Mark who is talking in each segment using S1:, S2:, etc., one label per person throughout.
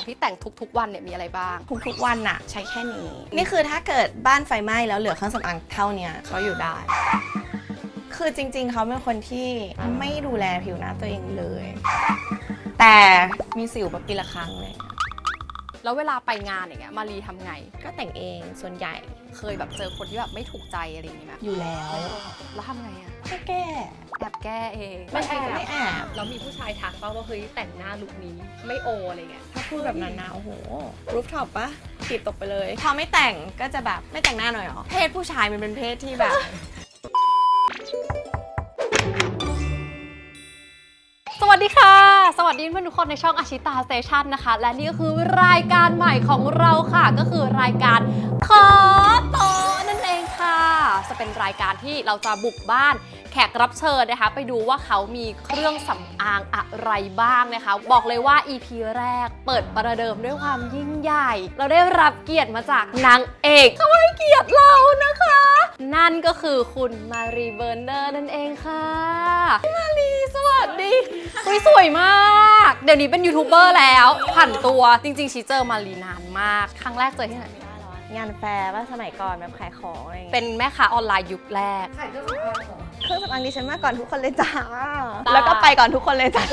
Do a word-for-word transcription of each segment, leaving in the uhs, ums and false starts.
S1: ของที่แต่งทุกๆวันเนี่ยมีอะไรบ้าง
S2: ทุกๆวันน่ะใช้แค่นี้นี่คือถ้าเกิดบ้านไฟไหม้แล้วเหลือเครื่องสำอางเท่านี้เขาอยู่ได้คือจริงๆเขาเป็นคนที่ไม่ดูแลผิวหน้าตัวเองเลยแต่มีสิวแบบปีละครั้งเลย
S1: แล้วเวลาไปงานอย่างเงี้ยมารีทำไง
S2: ก็แต่งเองส่วนใหญ่
S1: เคยแบบเจอคนที่แบบไม่ถูกใจอะไรอย่างงี้ไหม
S2: อยู่แล้ว
S1: แล้วทำไงอะ
S2: ก็แก้
S1: แอบแก้เอง
S2: ไม่แอบไม่แอบ
S1: แล้วมีผู้ชายทักป่าวว่าเฮ้ยแต่งหน้าลุคนี้ไม่โออะไรเงี้ย
S2: ถ้าพูดแบบนั้นนะโอ้โหรูฟท็อปปะขีดตกไปเลยพอไม่แต่งก็จะแบบไม่แต่งหน้าหน่อยหรอเพศผู้ชายมันเป็นเพศที่แบบ
S1: สวัสดีค่ะสวัสดีเพื่อนทุกคนในช่องอาชิตาสเตชันนะคะและนี่ก็คือรายการใหม่ของเราค่ะก็คือรายการขอโต๊ะนั่นเองค่ะจะเป็นรายการที่เราจะบุกบ้านแขกรับเชิญนะคะไปดูว่าเขามีเครื่องสำอางอะไรบ้างนะคะบอกเลยว่า อี พี แรกเปิดประเดิมด้วยความยิ่งใหญ่เราได้รับเกียรติมาจากนางเอกเขาให้เกียรติเรานะคะนั่นก็คือคุณมารีเบอร์เนอร์นั่นเองค่ะมารีสวัสดีคุยสวยมากเดี๋ยวนี้เป็นยูทูบเบอร์แล้วผันตัวจริงๆชีเจอมารีนานมากครั้งแรกเจอที่ไหนไม่ได้หรอง
S2: านแฟร์ว่าสมัยก่อนแบบขายของอะไรเงี้ย
S1: เป็นแม่ค้าออนไลน์ยุคแรก
S2: ขายเครื่องสำอางเหรอเครื่องสำอางดิฉันมาก่อนทุกคนเลยจ้าแล้วก็ไปก่อนทุกคนเลยจ้า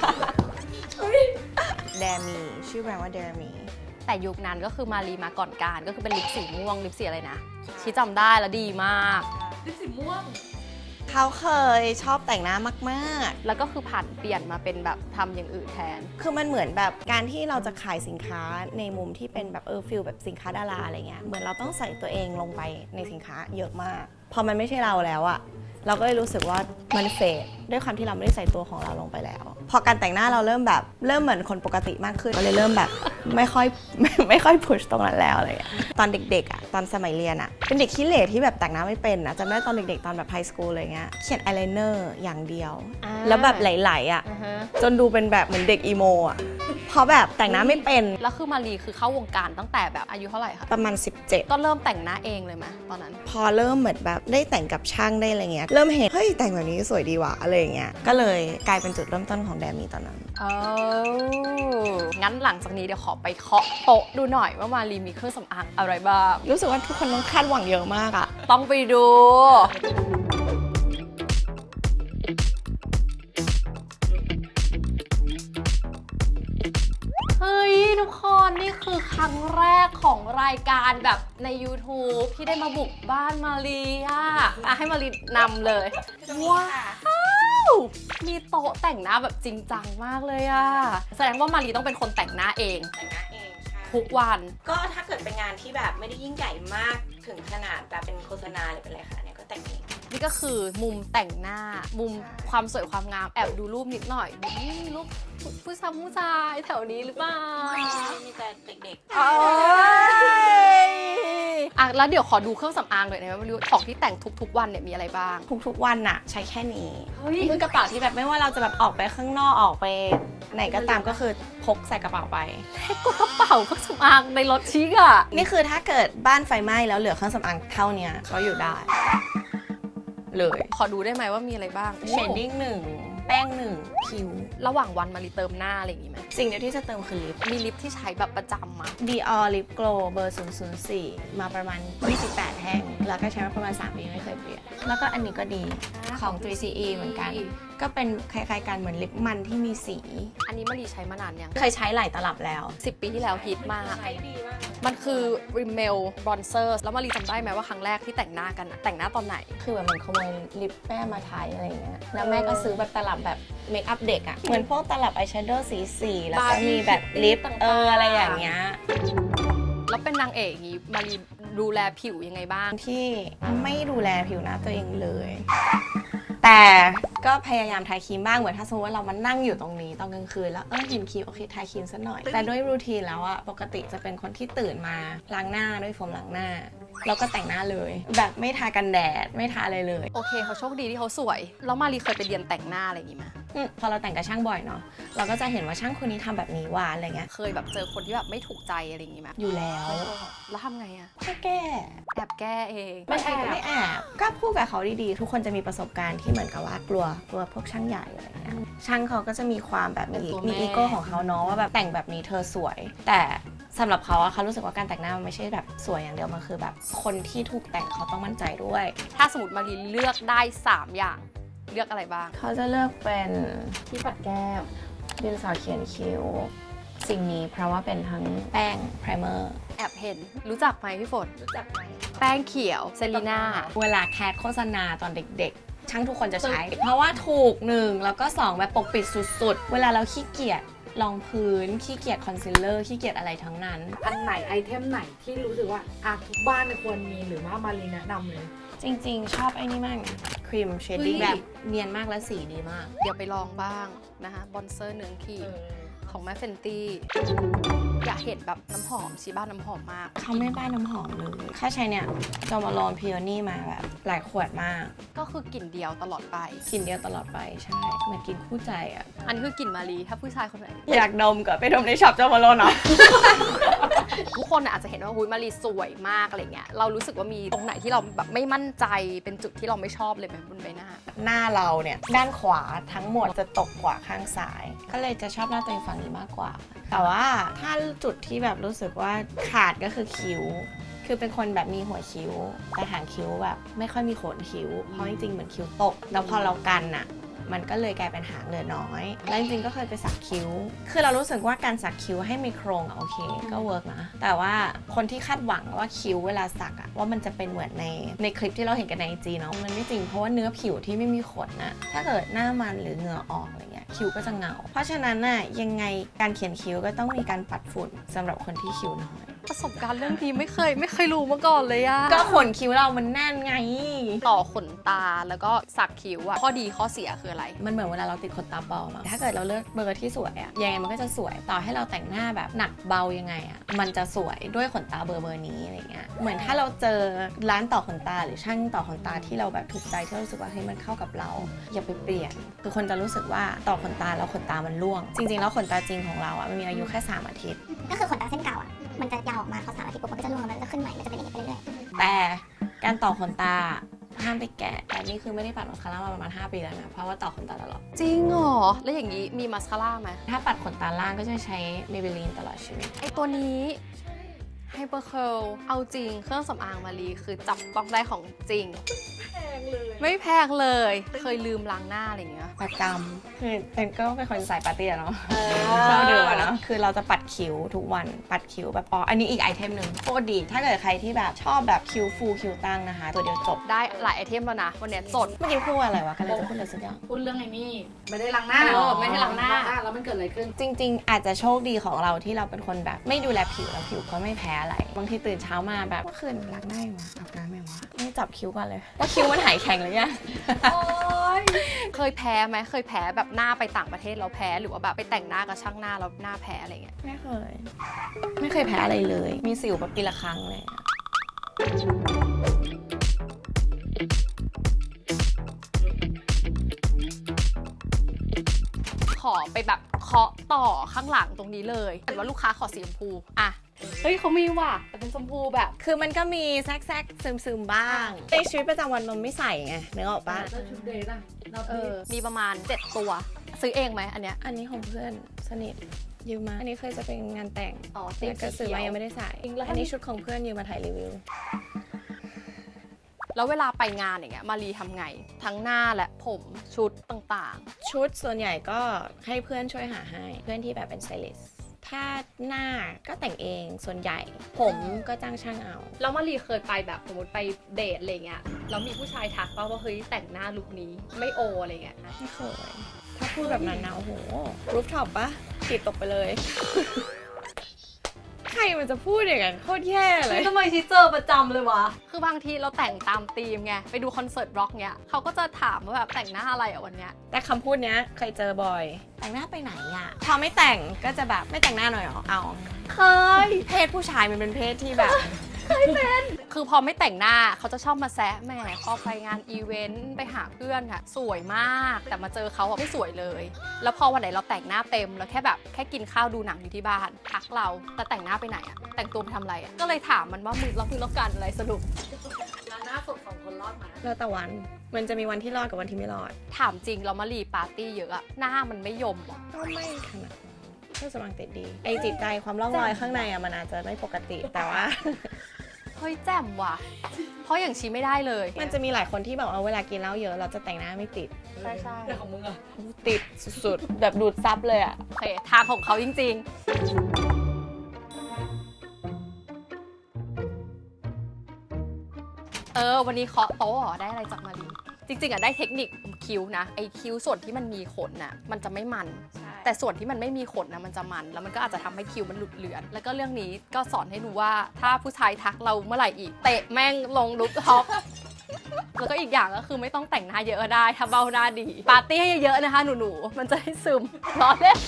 S2: เดมีชื่อแบรนด์ว่าเดมี
S1: แต่ยุคนั้นก็คือมารีมาก่อนการก็คือเป็นลิปสีม่วงลิปสีอะไรนะชีจำได้แล้วดีมากลิปสีม่วง
S2: เขาเคยชอบแต่งหน้ามาก
S1: ๆแล้วก็คือผ่านเปลี่ยนมาเป็นแบบทำอย่างอื่นแทน
S2: คือมันเหมือนแบบการที่เราจะขายสินค้าในมุมที่เป็นแบบเออฟิลแบบสินค้าดาราอะไรเงี้ยเหมือนเราต้องใส่ตัวเองลงไปในสินค้าเยอะมากพอมันไม่ใช่เราแล้วอะเราก็เลยรู้สึกว่ามันเฟดด้วยความที่เราไม่ได้ใส่ตัวของเราลงไปแล้วพอการแต่งหน้าเราเริ่มแบบเริ่มเหมือนคนปกติมากขึ้นก็เลยเริ่มแบบไม่ค่อยไม่ไม่ค่อยพุชตรงนั้นแล้วอะไรอย่างเงี้ยตอนเด็กๆอ่ะตอนสมัยเรียนอ่ะเป็นเด็กขี้เหร่ที่แบบแต่งหน้าไม่เป็นนะจำได้ตอนเด็กๆตอนแบบไฮสคูลอะไรเงี้ยเขียนอายไลเนอร์อย่างเดียวแล้วแบบไหลๆอ่ะจนดูเป็นแบบเหมือนเด็กอีโมอ่ะเพราะแบบแต่งหน้าไม่เป็น
S1: แล้วคือมารีคือเข้าวงการตั้งแต่แบบอายุเท่าไหร่คะ
S2: ประมาณสิบเจ็ด
S1: ก็เริ่มแต่งหน้าเองเลยไหมตอนนั้น
S2: พอเริ่มเหมือนแบบได้แต่งกับช่างได้อะไรเงี้ยเริ่มเห็นเฮ้ยแต่งแบบนี้สวยดีว่ะอะไรเงี้ยก็เลยกลายเป็นจุดเริ่มต้นของแดมีตอนนั้น
S1: อ๋องั้นหลังจากนี้เดี๋ยวขอไปเคาะโต๊ะดูหน่อยว่ามารีมีเครื่องสำอางอะไรบ้าง
S2: รู้สึกว่าทุกคนต้องคาดหวังเยอะมากอะ
S1: ต้องไปดูเฮ้ยทุกคนนี่คือครั้งแรกของรายการแบบใน YouTube ที่ได้มาบุกบ้านมารีอะอ่ะให้มารีนำเลยว้าวมีโต๊ะแต่งหน้าแบบจริงจังมากเลยอะแสดงว่ามารีต้องเป็นคนแต่งหน้าเอง
S2: แต่งหน้าเองใช่
S1: ทุกวัน
S2: ก็ถ้าเกิดเป็นงานที่แบบไม่ได้ยิ่งใหญ่มากถึงขนาดแบบเป็นโฆษณาหรือเป็นอะไรค่ะเนี่ยก็แต่งเอง
S1: นี่ก็คือมุมแต่งหน้ามุมความสวยความงามแอบดูรูปนิดหน่อยรูปผู้ชายผู้ชายแถวนี้หรือเปล่า
S2: มีแต่เด็กๆ
S1: อ่ะแล้วเดี๋ยวขอดูเครื่องสำอางหน่อยนะว่าของที่แต่งทุกๆวันเนี่ยมีอะไรบ้าง
S2: ทุกๆวันน่ะใช้แค่นี้คือกระเป๋าที่แบบไม่ว่าเราจะแบบออกไปข้างนอกออกไปไหนก็ตามก็คือพกใส่กระเป๋าไป
S1: แค่กดกระเป๋าเครื่องสำอางในรถชิคอะ
S2: นี่คือถ้าเกิดบ้านไฟไหม้แล้วเหลือเครื่องสำอางเท่านี้ก็อยู่ได้เลย
S1: ขอดูได้ไหมว่ามีอะไรบ้าง
S2: เชดดิ้งหนึ่งแป้งหนึ่งคิ้ว
S1: ระหว่างวันมารีเติมหน้าอะไรอย่างงี้ไหม
S2: สิ่งเดียวที่จะเติมคือลิป
S1: มีลิปที่ใช้แบบประจำมา
S2: Dior Lip Glow เบอร์ศูนย์ ศูนย์ สี่มาประมาณยี่สิบแปดแท่งแล้วก็ใช้มาประมาณสามปีไม่เคยเปลี่ยนแล้วก็อันนี้ก็ดีของ ทรี ซี อี เหมือนกันก็เป็นคล้ายๆกันเหมือนลิปมันที่มีสี
S1: อันนี้มารีใช้มานานยัง
S2: เคยใช้หลายตลับแล้ว
S1: สิบปีที่แล้วฮิตมาก
S2: ใช้ดีมาก
S1: มันคือ Rimmel Bronzer แล้วมารีจำได้ไหมว่าครั้งแรกที่แต่งหน้ากันแต่งหน้าตอนไหน
S2: คือแบบเหมือนขโมยลิปแม่มาใช้อะไรเงี้ยแล้วแม่ก็ซื้อแบบตลับแบบเมคอัพเด็กอะเหมือนพวกตลับอายแชโดว์สีสีแล้วก็มีแบบลิปเอออะไรอย่างเงี้ย
S1: แล้วเป็นนางเอกนี้มารีดูแลผิวยังไงบ้าง
S2: ที่ไม่ดูแลผิวหน้าตัวเองเลยแต่ก็พยายามทาครีมบ้างเหมือนถ้าสมมติว่าเรามานั่งอยู่ตรงนี้ตอนกลางคืนแล้วเออเห็นครีมโอเคทาครีมสักหน่อยแต่ด้วยรูทีนแล้วอะปกติจะเป็นคนที่ตื่นมาล้างหน้าด้วยโฟมล้างหน้าแล้วก็แต่งหน้าเลยแบบไม่ทากันแดดไม่ทาอะไรเลย
S1: โอเคเขาโชคดีที่เขาสวยแล้วมารีเคยไปเรียนแต่งหน้าอะไรอย่างงี้ไหม
S2: พอเราแต่งกับช่างบ่อยเนาะเราก็จะเห็นว่าช่างคนนี้ทำแบบนี้ว่าอะไรเงี้ย
S1: เคยแบบเจอคนที่แบบไม่ถูกใจอะไรอย่างงี้ไหม
S2: อยู่แล้ว
S1: แล้วทำไงอะ
S2: ก็แก้
S1: แอบแก้เอง
S2: ไม่แอบไม่แอบก็พูดกับเขาดีๆทุกคนจะมีประสบการณ์ที่เหมือนกับว่ากลัวกลัวพวกช่างใหญ่อะไรเงี้ยช่างเขาก็จะมีความแบบมี
S1: เป็นตัวแม่
S2: มีอีโก้ของเขาเนาะว่าแบบแต่งแบบนี้เธอสวย แต่สำหรับเขาอะเขารู้สึกว่าการแต่งหน้ามันไม่ใช่แบบสวยอย่างเดียวมันคือแบบคนที่ถูกแต่งเขาต้องมั่นใจด้วย
S1: ถ้าสมมติมารีเลือกได้สามอย่างเลือกอะไรบ้าง
S2: เขาจะเลือกเป็น
S1: ที่ปัดแก้ม
S2: ดินสอเขียนคิ้วสิ่งนี้เพราะว่าเป็นทั้งแป้งไพรเมอร์
S1: แอบเห็นรู้จักไหมพี่ฝน
S2: รู้จักไหม
S1: แป้งเขียวเซรีน่า
S2: เวลาแคสโฆษณาตอนเด็กๆ ช่างทุกคนจะใช้ เพราะว่าถูกหนึ่งแล้วก็สองแบบปกปิดสุดๆ เวลาเราขี้เกียจรองพื้นขี้เกียจคอนซีลเลอร์ขี้เกียจอะไรทั้งนั้น
S3: อันไหนไอเทมไหนที่รู้สึกว่าอ่ะทุกบ้านควรมีหรือว่ามารีแนะนำเลย
S2: จริงๆ ชอบไอ้นี่มากนะครีมเชดดิ้ง
S1: เฮ้ย
S2: แบบเนียนมากและสีดีมาก
S1: เดี๋ยวไปลองบ้างนะคะบอนเซอร์เนื้อขีดของแม่เฟนตี้อยากเห็นแบบน้ำหอมชีบ้านน้ำหอมมาก
S2: เขาไม่บ้านน้ำหอมเลยแค่ใช้เนี่ยจอมาลอนพิโอนี่มาแบบหลายขวดมาก
S1: ก็คือกลิ่นเดียวตลอดไป
S2: กลินเดียวตลอดไปใช่เหมือนกินคู่ใจอ่ะ
S1: อันนี้คือกลิ่นมารีถ้าผู้ชายคนไหน
S2: อยากดมก็ไปดมในช็อปจอมาลอนเนาะ
S1: ทุกคนน่ะอาจจะเห็นว่าหุยมารีสวยมากอะไรเงี้ยเรารู้สึกว่ามีตรงไหนที่เราแบบไม่มั่นใจเป็นจุดที่เราไม่ชอบเลยไหมบนใบหน้า
S2: หน้าเราเนี่ยด้านขวาทั้งหมดจะตกกว่าข้างซ้าย ก็เลยจะชอบหน้าตัวเองฝั่งนี้มากกว่า แต่ว่าถ้าจุดที่แบบรู้สึกว่าขาดก็คือคิ้ว คือเป็นคนแบบมีหัวคิ้ว แต่หางคิ้วแบบไม่ค่อยมีโขนคิ้ว เพราะจริงๆเหมือนคิ้วตก แล้วพอเรากันน่ะมันก็เลยกลายเป็นหางเหลือน้อย แล้วจริงๆก็เคยไปสักคิ้ว คือเรารู้สึกว่าการสักคิ้วให้มีโครงอะโอเคก็เวิร์กนะ แต่ว่าคนที่คาดหวังว่าคิ้วเวลาสักอะว่ามันจะเป็นเหมือนในในคลิปที่เราเห็นกันในไอจีเนาะ มันไม่จริงเพราะว่าเนื้อผิวที่ไม่มีขนน่ะ ถ้าเกิดหน้ามันหรือเหงื่อออกอะไรเงี้ยคิ้วก็จะเงา เพราะฉะนั้นน่ะยังไงการเขียนคิ้วก็ต้องมีการปัดฝุ่นสำหรับคนที่คิ้วน้อย
S1: ประสบการณ์เรื่องนี้ไม่เคยไม่เคยรู้มาก่อนเลยอะ
S2: ก็ขนคิ้วเรามันแน่นไง
S1: ต่อขนตาแล้วก็สักคิ้วอะข้อดีข้อเสียคืออะไร
S2: มันเหมือนเวลาเราติดขนตาปลอมอะถ้าเกิดเราเลือกเบอร์ที่สวยอะยังไงมันก็จะสวย ต่อให้เราแต่งหน้าแบบหนักเบายังไงอะมันจะสวยด้วยขนตาเบอร์เบอร์นี้อะไรเงี้ย เหมือนถ้าเราเจอร้านต่อขนตาหรือช่างต่อขนตาที่เราแบบถูกใจที่เรารู้สึกว่าเฮ้ยมันเข้ากับเรา อย่าไปเปลี่ยน คือคนจะรู้สึกว่าต่อขนตาแล้วขนตามันร่วง จริงๆแล้วขนตาจริงของเราอะมันมีอายุแค่สามอาทิตย์
S4: ก็คือขนตาเส้นเก่าอ่ะ มันจะยาวออกมาพอสามอาทิตย์ปุ๊บมันก็จะร่วงแล้วมันก็จะขึ้นใหม่ มันจะเป็นอย่างนี้ไปเรื่อยๆ
S2: แต่การต่อขนตาห้ามไปแกะ แต่นี่คือไม่ได้ปัดมาสคาร่ามาประมาณห้าปีแล้วนะ เพราะว่าต่อขนตาตลอด
S1: จริงเหรอแล้วอย่างนี้มีมาสคาร่าไหม
S2: ถ้าปัดขนตาล่างก็จะใช้ Maybelline ตลอดชีวิต
S1: ไอตัวนี้ไฮเปอร์เคิลเอาจริงเครื่องสำอางมารีคือจับต้องได้ของจริง
S3: แพงเลย
S1: ไม่แพงเลย เคยลืมล้างหน้าอะไรอย่างเงี้ย
S2: ประจำคือเป็นก็เป็นคนสายปาร์ตี้อะเนาะ
S3: เอ
S2: ชอบดื่มอะเนาะคือเราจะปัดคิ้วทุกวันปัดคิ้วแบบอ๋ออันนี้อีกไอเทมหนึ่งโคตรดี ถ้าเกิดใครที่แบบชอบแบบคิ้วฟูคิ้วตั้งนะคะ ตัวเดียวจบ
S1: ได้หลายไอเทมแล้วนะ วันเนี้ยจด
S2: เมื่อกี้พูดว่าอะไรวะกันเลยจะพูดอะไรสักอย่าง
S3: พูดเรื่องไอ้นี่ไม่ได้ล้างหน้า
S1: เออไม่ได้ล้างหน้า
S3: แล้วมันเกิดอะไรขึ้น
S2: จริง ๆ อาจจะโชคดีของเราที่เราเป็นคนแบบไม่ดูแลผิวแล้วผิวก็ไม่แพ้อะไรบางทีตื่นเช้ามาแบบเมื่อคืนล้างหน้ายังวะอาบน้ำยังวะไม่จับคิ้วก่อนเลยว่าคิ้วมันหายแข็งหรือยัง
S1: เคยแพ้ไหมเคยแพ้แบบหน้าไปต่างประเทศแล้วแพ้หรือว่าแบบไปแต่งหน้ากับช่างหน้าแล้วหน้าแพ้อะไรเงี้ย
S2: ไม่เคย ไม่เคยแพ้อะไรเลย มีสิวแบบปีละครั้งเลยอะ
S1: ขอไปแบบเคาะต่อข้างหลังตรงนี้เลยเห็นว่าลูกค้าขอสีชมพูอ่ะเฮ้ยเขามีว่ะแต่เป็นชมพูแบบ
S2: คือมันก็มีแซกๆซึมๆบ้างในชีวิตประจำวันมันไม่ใส่ไงนึกออกปะ
S3: แล้วชุดเดย์ล่ะเรา
S1: เออมีประมาณเจ็ดตัว ซื้อเองไหมอันเนี้ย
S2: อันนี้ของเพื่อนสนิทยืมมา อันนี้เคยจะเป็นงานแต่ง
S1: อ๋อ
S2: แต่ก็ซื้อมายังไม่ได้ใส่ อันนี้ชุดของเพื่อนยืมมาถ่ายรีวิว
S1: แล้วเวลาไปงานอย่างเงี้ยมารีทำไง ทั้งหน้าและผมชุดต่าง
S2: ชุดส่วนใหญ่ก็ให้เพื่อนช่วยหาให้ เพื่อนที่แบบเป็นสไตลิสต์ถ้าหน้าก็แต่งเองส่วนใหญ่ ผมก็จ้างช่างเอา
S1: ๆแล้วมารีเคยไปแบบสมมติไปเดทอะไรเงี้ยแล้วมีผู้ชายทักป่าว่าเฮ้ยแต่งหน้าลุคนี้ไม่โออะไรเงี้ยนะ
S2: ไม่เคย ถ้าพูดแบบนั้นนะโอ้โห รูฟท็อปปะขีดตกไปเลย ใครมันจะพูดอย่างนั้นโคตรแย่เลย
S1: ทำไมชีเจอประจำเลยวะ คือบางทีเราแต่งตามธีมไง ไปดูคอนเสิร์ตร็อกเนี้ยเขาก็จะถามว่าแบบแต่งหน้าอะไรอ่ะวันเนี้ย
S2: แต่คำพูดเนี้ยเคยเจอบ่อย แต่งหน้าไปไหนอะพอไม่แต่งก็จะแบบไม่แต่งหน้าหน่อยเหรอ เอา
S1: เคย
S2: เพศผู้ชายมันเป็นเพศที่แบบ
S1: คือพอไม่แต่งหน้าเขาจะชอบมาแซะแหมพอไปงานอีเวนต์ไปหาเพื่อนค่ะสวยมาก แต่มาเจอเขาอะไม่สวยเลย แล้วพอวันไหนเราแต่งหน้าเต็มแล้วแค่แบบแค่กินข้าวดูหนังอยู่ที่บ้านทักเราแต่แต่งหน้าไปไหนอะแต่งตัวไปทำอะไรอะก็เลยถามมันว่ามึงแล้วมึงต้องการอะไรสรุป
S3: ล้างหน้าสดสองคนรอดไหม
S2: แล้วแต่วันมันจะมีวันที่รอดกับวันที่ไม่รอด
S1: ถามจริงเรามารีปาร์ตี้เยอะอะหน้ามันไม่ยมหรอ
S2: ก็ไม่ขนาดนั้นเครื่องสำอางติดดี ไอจิตใจความร่องรอยข้างในอะมันอาจจะไม่ปกติแต่ว่า
S1: เฮ้ยแจ่มว่ะ เพราะอย่างชีไม่ได้เลย
S2: มันจะมีหลายคนที่แบบเอาเวลากินเหล้าเยอะเราจะแต่งหน้าไม่ติด
S1: ใช่ใช่
S3: แต่ของมึงอะ
S2: ติดสุดๆ แบบดูดซับเลยอะ
S1: โอเคทางของเขาจริงๆ เออ วันนี้เคาะโต๊ะเหรอได้อะไรจากมารีจริงๆอะได้เทคนิคคิ้วนะ ไอ้คิ้วส่วนที่มันมีขนน่ะมันจะไม่มัน แต่ส่วนที่มันไม่มีขนนะมันจะมัน แล้วมันก็อาจจะทำให้คิ้วมันหลุดเลือน แล้วก็เรื่องนี้ก็สอนให้รู้ว่าถ้าผู้ชายทักเราเมื่อไหร่อีก เตะแม่งลงลุกท็อป แล้วก็อีกอย่างก็คือไม่ต้องแต่งหน้าเยอะก็ได้ถ้าเบ้าหน้าดี ปาร์ตี้ให้เยอะๆนะคะหนูๆ มันจะได้ซึมร้อนเล่น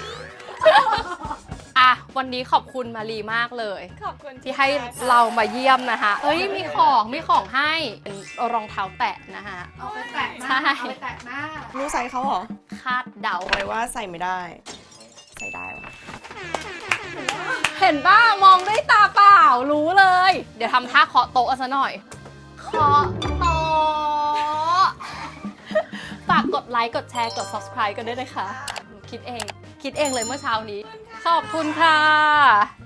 S1: อ่ะวันนี้ขอบคุณมารีมากเลย
S2: ขอบคุณ
S1: ที่ให้เรามาเยี่ยมนะคะเอ้ยมีของมีของให้เป็นรองเท้าแตะนะคะ
S3: เอาไปแตะห
S1: ใช่
S3: น้าเอาไปแตะหน้า
S2: รู้ไซส์เขาเหรอ
S1: คาดเดา
S2: บอกเลยว่าใส่ไม่ได้ ใส่ได้วะ
S1: เห็นป่ะมองด้วยตาเปล่ารู้เลย เดี๋ยวทำท่าเคาะโต๊ะกันซะหน่อย เคาะโต๊ะฝากกดไลค์กดแชร์กด subscribe กันด้วยนะคะหนูคิดเอง คิดเองเลยเมื่อเช้านี้ ขอบคุณค่ะ